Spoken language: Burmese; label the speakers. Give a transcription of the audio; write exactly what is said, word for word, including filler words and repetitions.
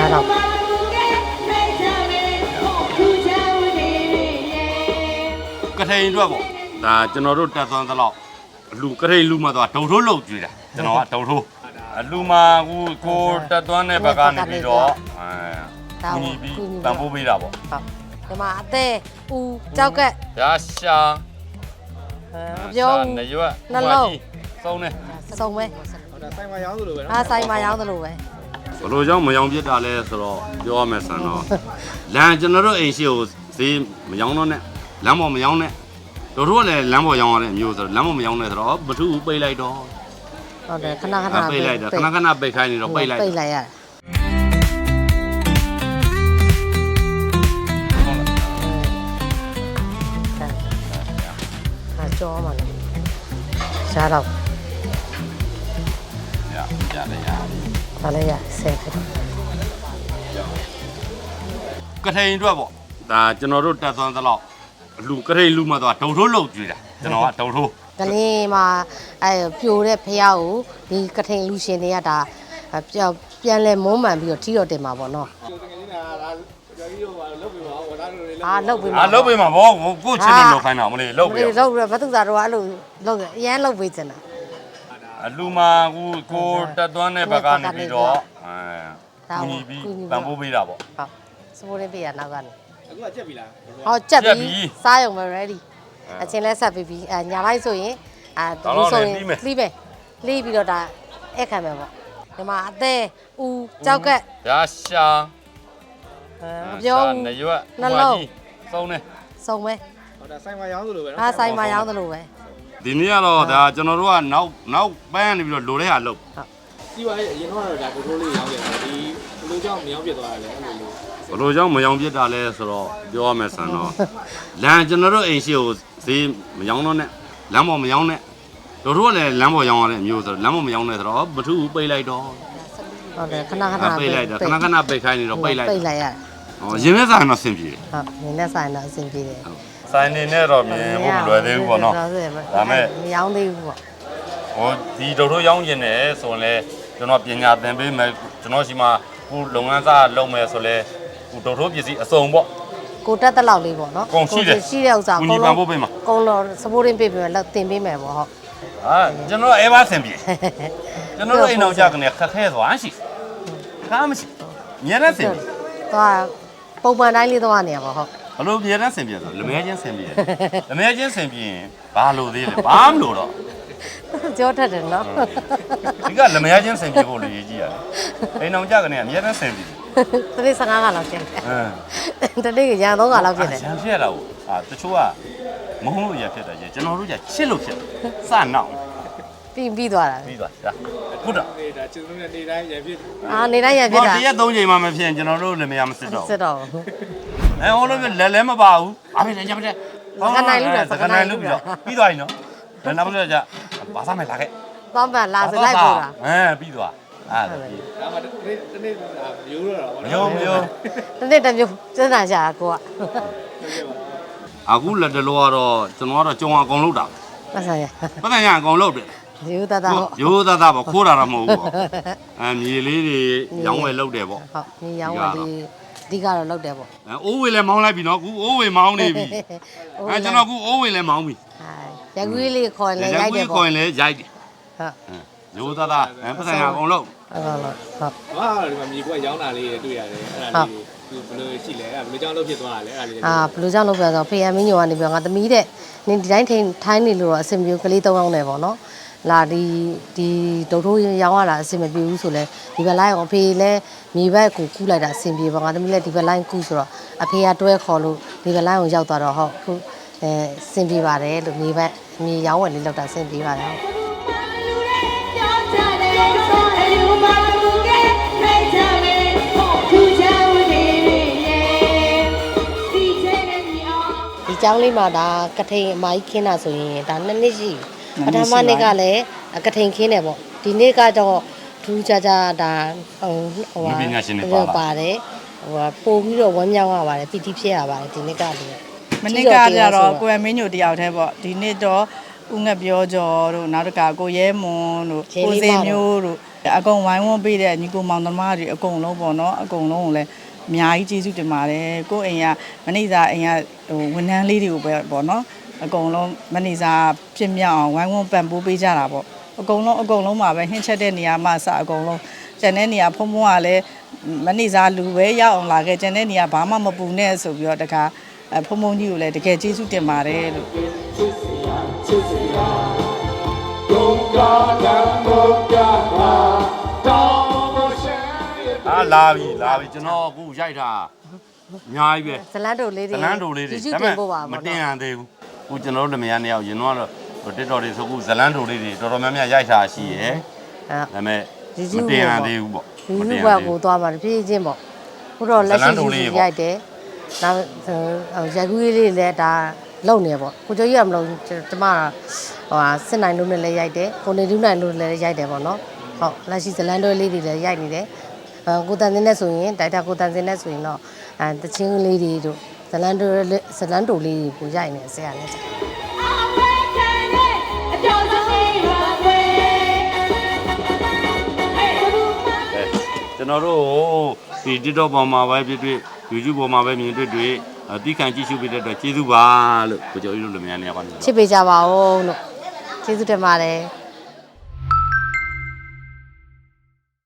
Speaker 1: တော့
Speaker 2: ကထိန်အတွက်ပေါ့ဒါကျွန်တော်တို့တက်သွန်းသလောက်လူကထိန်လူမှတော့ဒုံထိုးလောက်ကြွေးတာကျွန်တော်ကဒုံထိုးအလူမှာကိုကိုတက်သွန်းတဲ့ဘက်ကနေပြီးတော့အဲညီပြီးတန်ဖိုးပေးတာပေါ့
Speaker 1: ဟုတ်ဒီမှာအသေးဦးကြောက်ကက်
Speaker 2: ရာရှာ
Speaker 1: ပြော
Speaker 2: နရွက်
Speaker 1: နှလုံး
Speaker 2: စုံနေ
Speaker 1: စုံပဲ
Speaker 3: ဆိုင်မှာရောင်းသလိုပဲနော်
Speaker 1: အားဆိုင်မှာရောင်းသလိုပဲ
Speaker 2: ဘလို့ကြောင့်မယောင်ပြစ်တာလဲဆိုတော့ပြောရမယ်ဆန်တော့လမ်းကျွန်တော်တို့အိမ်ရှိကိုဈေးမယောင်တော့နဲ့လမ်းပေါ်မယောင်နဲ့တို့တို့ကလည်းလမ်းပေါ်ရောင်းရတဲ့အမျိုးဆိုတော့လမ်းပေါ်မယောင်နဲ့ဆိုတော့ဘထုပိတ်လိုက်တော့
Speaker 1: ဟုတ်တယ်ခဏခဏ
Speaker 2: ပိတ်လိုက်တော့ခဏခဏပိတ်ခိုင်းနေတော့ပိတ်လိုက်
Speaker 1: ပိတ်လိုက်ရတယ်ဟာကြောမှာလေရှားတော့
Speaker 2: ရရတယ်ရ
Speaker 1: ဒါလည်းရဆယ်ဖြစ်
Speaker 2: ကထိန်အတွက်ပေါ့ဒါကျွန်တော်တို့တက်သွန်းသလောက်လူကထိန်လူမှတော့ဒုံထိုးလောက်ကြွေးတာကျွန်တော်ကဒုံထိုး
Speaker 1: ကလေးမှာအဲပြိုတဲ့ဖះကိုဒီကထိန်လူရှင်တွေကဒါပြန်လဲမုန်းမှန်ပြီးတော့ထီတော့တင်မှာပေါ့နော်အာလုတ်ပေးမှာ
Speaker 2: အာလုတ်ပေးမှာဗောကိုချစ်လို့လောက်ခိုင်းတာမလေးလုတ်ပေး
Speaker 1: လုတ်ပြီးဘသူသားတော့အဲ့လိုလုတ်အရန်လုတ်ပေးချင်တာ
Speaker 2: အလူမှာကိုကိုတက်သွန်းတဲ့ဘက်ကနေပြီးတော့အဲညီပြီးတန်ဖိုးပေးတာပေါ့
Speaker 1: ဟုတ်စပိုးလေးပေးရနောက်ကနေ
Speaker 3: အခုကကြက်ပြီလား
Speaker 1: ဟောကြက်ပြီစားရုံပဲ ready အချင်းလဲဆက်ပြီးပြီးအညာလိုက်ဆိုရင်အာဒီဆိုရင်လှီးမယ်လှီးပြီးတော့ဒါအဲ့ခံမယ်ပေါ့ဒီမှာအသေးဦးကြောက်ကက်
Speaker 2: ရာရှာ
Speaker 1: ပြော
Speaker 2: နရွက်
Speaker 1: နှလုံး
Speaker 2: စုံနေ
Speaker 1: စုံပဲ
Speaker 3: ဟောဒါဆိုင်မှာရောင်းသလိုပဲနော်
Speaker 1: အားဆိုင်မှာရောင်းသလိုပဲ
Speaker 2: ဒီနေ့ကတော့ဒါကျွန်တော်တို့ကနောက်နောက်ပန်းနေပြီးတော့လိုတဲ့ဟာလုပ်
Speaker 3: ဟုတ်စီးပါရဲ့အရင်တော့ဒါတိုးတိုးလေးရောင်းရတယ်ဒီဘလိုကြောင့်မရောင်းပြသွားရလဲအဲ့လိုလို
Speaker 2: ဘလို့ကြောင့်မယောင်ပြစ်တာလဲဆိုတော့ပြောရမယ်ဆန်တော့လမ်းကျွန်တော်တို့အိမ်ရှိကိုဈေးမယောင်တော့နဲ့လမ်းပေါ်မယောင်နဲ့တို့တို့ကလည်းလမ်းပေါ်ရောင်းရတဲ့အမျိုးဆိုတော့လမ်းပေါ်မယောင်နဲ့ဆိုတော့ဘထုပိတ်လိုက်တော့
Speaker 1: ဟုတ်တယ်ခဏခဏ
Speaker 2: ပိတ်လိုက်တော့ခဏခဏပိတ်ခိုင်းနေတော့ပိတ်လိုက်
Speaker 1: ပိတ်လိုက်ရတယ်
Speaker 2: ဟောရင်းနဲ့ဆိုင်တော့အဆင်ပြေတယ်
Speaker 1: ဟုတ်ရင်းနဲ့ဆိုင်တော့အဆင်ပြေတယ်
Speaker 2: ဆိုင်နေနဲ့တော့မြင်ဖို့မလွယ်သေးဘူးပေါ့နော်ဒါမဲ့
Speaker 1: မရောင်းသေးဘူးပေါ့
Speaker 2: ဟိုဒီတို့တို့ရောင်းကျင်တယ်ဆိုရင်လည်းကျွန်တော်ပညာသင်ပေးမယ်ကျွန်တော်ရှိမှခုလုပ်ငန်းစားလုပ်မယ်ဆိုလဲဟိုတို့တို့ပစ္စည်းအစုံပေါ့
Speaker 1: ကိုတက်တဲ့လောက်လေးပေါ့နော်
Speaker 2: ကိုရှိတယ်
Speaker 1: ရှိတဲ့ဥစ္စာ
Speaker 2: ကိုကြီးပန်ဖို့ပေးမှာ
Speaker 1: ကုန်းတော့စပိုးရင်းပေးပြီးတော့တင်ပေးမယ်ပေါ့ဟုတ်
Speaker 2: ဟာကျွန်တော်အဲဘာဆင်ပြေကျွန်တော်တို့အိမ်အောင်ကြကနေခက်ခဲသွားရှိခါမရှိညနေဆင်ပြေ
Speaker 1: သွားပုံမှန်တိုင်းလေးသွားနေရပါဟုတ်
Speaker 2: ဘလို့ညနေဆင်ပြေဆိုလမဲချင်းဆင်ပြေလမဲချင်းဆင်ပြေရင်ဘာလို့သေးလဲဘာမလို့တော့
Speaker 1: ကြောထက်တယ်နော်
Speaker 2: ဒီကလမဲချင်းဆင်ပြေဖို့လိုရေးကြည့်ရတယ်အိမ်အောင်ကြကနေအများနဲ့ဆင်ပြေ
Speaker 1: တနေ့ဆယ်ငါးခါလောက်ဖြစ်တယ်။တနေ့ကရန်သုံးခါလောက်ဖြစ်တယ်
Speaker 2: ။ရန်ဖြစ်ရတာကိုအာတချို့ကမဟုတ်လို့ရဖြစ်တယ်ကျွန်တော်တို့ကချစ်လို့ဖြစ်တယ်။စနောက်
Speaker 1: ပြီးပြီးသွားတာ
Speaker 2: ။ပြီးသွားတာ။ဟုတ်တော့
Speaker 3: ။ဒါကျွန်တော်တို့နေတိုင်းရန်ဖြစ်
Speaker 1: ။အာနေတိုင်းရန်ဖြစ်တာ
Speaker 2: ။ဒီရက်သုံးချိန်မှမဖြစ်ရင်ကျွန်တော်တို့လည်းမရမစစ်တော့
Speaker 1: ဘူး။စစ်တော့ဘူး
Speaker 2: ။အဲဟိုလိုလက်လဲမပါဘူး။အားဖြင့်ညမတဲ့
Speaker 1: ။စကနိုင်လို့
Speaker 2: စကနိုင်လို့ပြီးတော့ပြီးသွားပြီနော်။ဒါနောက်ဆုံးကြဘာသာမဲ့လာခဲ့
Speaker 1: ။သောင်းပန်လာစလိုက်ပို့တာ
Speaker 2: ။အဲပြီးသွား။အဲ့ဒါပြီး
Speaker 3: ဒါမှတနေ့တနေ့မျိုးတော့
Speaker 2: မယုံမယုံ
Speaker 1: တနေ့တစ်မျိုးစမ်းတာရှာကိုက
Speaker 2: အခုလက်တလောကတော့ကျွန်တော်ကတော့ကြုံအကုန်လုပ်တာ
Speaker 1: ပတ်ဆိုင်ရ
Speaker 2: ပတ်ဆိုင်ရအကုန်လုပ်တယ်
Speaker 1: ရိုးသားသားဟုတ်
Speaker 2: ရိုးသားသားပေါ့ခိုးတာတော့မဟုတ်ဘူးပေါ့အဲမြေလေးတွေရောင်းဝယ်လုပ်တယ်ပေါ့
Speaker 1: ဟုတ်မြေရောင်းဝယ်လေးအဓိကတော့လုပ်တယ်ပေါ့
Speaker 2: အဲအိုးဝေလည်းမောင်းလိုက်ပြီနော်အခုအိုးဝေမောင်းနေပြီအဲကျွန်တော်အခုအိုးဝေလည်းမောင်းပြီ
Speaker 1: ရကူးလေးခေါ်လဲရိုက်တယ်ပေါ့
Speaker 2: ရကူးခေါ်ရင်လည်းရိုက်တယ်ဟုတ်ရိုးသားသားအဲပတ်ဆိုင်ရအကုန်လုပ်
Speaker 1: ဟုတ်ဟုတ်ဟုတ်
Speaker 3: ဟာဒီမှာမြေကွက်ရောင်းတာလေးတွေ့ရတယ်အဲ့ဒါလေးဘယ်လိုရှိလဲအဲ့ဘယ်လိုကြောင့်လုပ်ဖြစ်သွားတာလဲအဲ့ဒါလေး
Speaker 1: အာဘယ်လိုကြောင့်လုပ်ပြဆိုဖေယံမင်းညိုကနေပြောငါသမီးတဲ့နင်ဒီတိုင်းထိုင်ထိုင်းနေလို့တော့အဆင်ပြေကလေးသုံးအောင်နေပေါ့နော်လာဒီဒီဒုတ်ထိုးရောင်းရတာအဆင်မပြေဘူးဆိုလဲဒီဘက်လိုင်းအောင်ဖေလဲမြေဘက်ကိုကူးလိုက်တာအဆင်ပြေပါငါသမီးလည်းဒီဘက်လိုင်းကူးဆိုတော့အဖေကတွဲခေါ်လို့ဒီဘက်လိုင်းကိုရောက်သွားတော့ဟုတ်ခုအဲအဆင်ပြေပါတယ်လို့မြေဘက်မြေရောင်းဝယ်လေးလောက်တာအဆင်ပြေပါတယ်ဒီကျောင်းလေးမှာဒါကထိန်အမကြီးခင်းတာဆိုရင်ဒါနှစ်နှစ်ရှိပထမနှစ်ကလည်းကထိန်ခင်းတယ်ပေါ့ဒီနေ့ကတော့ထူးခြားခြားဒါဟိုဟို
Speaker 2: ပါ
Speaker 1: ပါတယ်ဟိုပို့ပြီးတော့ဝမ်းမြောက်ရပါတယ်ပီတိဖြစ်ရပါတယ်ဒီနေ့ကလည်း
Speaker 4: မနေ့ကကြတော့ကိုယ်မင်းညိုတယောက်တည်းပေါ့ဒီနေ့တော့ဦးငှက်ပြောကျော်တို့နောက်တကကိုရဲမွန်တို့ကိုစေမျိုးတို့အကုန်ဝိုင်းဝန်းပေးတဲ့ညီကိုမောင်သမားတွေအကုန်လုံးပေါ့နော်အကုန်လုံးကိုလည်းအများကြီးကျေးဇူးတင်ပါတယ်ကိုအိမ်ကမနေ့ကအိမ်ကဟိုဝန်ထမ်းလေးတွေကိုပဲပေါ့နော်အကုန်လုံးမနေ့ကဖြစ်မြောက်အောင်ဝိုင်းဝန်းပံ့ပိုးပေးကြတာပေါ့အကုန်လုံးအကုန်လုံးမှာပဲဟင်းချက်တဲ့နေရာမှာစအကုန်လုံးကျန်တဲ့နေရာဖုံဖုံကလည်းမနေ့ကလူပဲရောက်အောင်လာခဲ့ကျန်တဲ့နေရာဘာမှမပူနဲ့ဆိုပြီးတော့တခါဖုံဖုံကြီးကိုလည်းတကယ်ကျေးဇူးတင်ပါတယ်လို့
Speaker 2: အာလာပြီလာပြီကျွန်တော်အခုရိုက်တာအများကြီးပဲ
Speaker 1: ဇလန်တိုလေးတွေ
Speaker 2: ဇလန်တိုလေးတွေ
Speaker 1: ကျေးဇူးတင်ဖို့ပါ
Speaker 2: မ
Speaker 1: ပေါ့
Speaker 2: တင်ရ
Speaker 1: နော်
Speaker 2: သေးဘူးအခုကျွန်တော်တို့လမယားနှစ်ယောက်ရင်တော့တစ်တော်တွေဆိုအခုဇလန်တိုလေးတွေတော်တော်များများရိုက်တာရှိရယ်
Speaker 1: အဲ
Speaker 2: ဒါပေမဲ့မတင်ရသေးဘူးပေါ့
Speaker 1: ဒီစုဘက်ကိုသွားပါတပြေးချင်းပေါ့ခုတော့လက်ရှိယူရိုက်တယ်နောက်ရိုက်ကူးလေးတွေလည်းဒါလုံနေပေါ့ကိုကျော်ကြီးကမလို့ကျမဟိုဟာစစ်နိုင်လို့လည်းရိုက်တယ်ကိုနေတူးနိုင်လို့လည်းရိုက်တယ်ပေါ့နော်ဟုတ်လက်ရှိဇလန်တိုလေးတွေလည်းရိုက်နေတယ်ကိုတန်စင်းနဲ့ဆိုရင်တိုက်တာကိုတန်စင်းနဲ့ဆိုရင်တော့အဲတချင်းလေးတွေတို့ဇလန်တိုဇလန်တိုလေးကိုရိုက်နေဆရာလည်း
Speaker 2: ကျွန်တော်တို့ဒီ TikTok ပေါ်မှာပဲဖြစ်ဖြစ် YouTube ပေါ်မှာပဲမြင်တွေ့တွေ့အတိခံကြည့်ရှုပေးတဲ့အတွက်ကျေးဇူးပါလို့ကိုကျော်ကြီးတို့လမယားနှစ်ယောက်ကနေ
Speaker 1: ချစ်ပေးကြပါဦးလို့ကျေးဇူးတင်ပါတယ်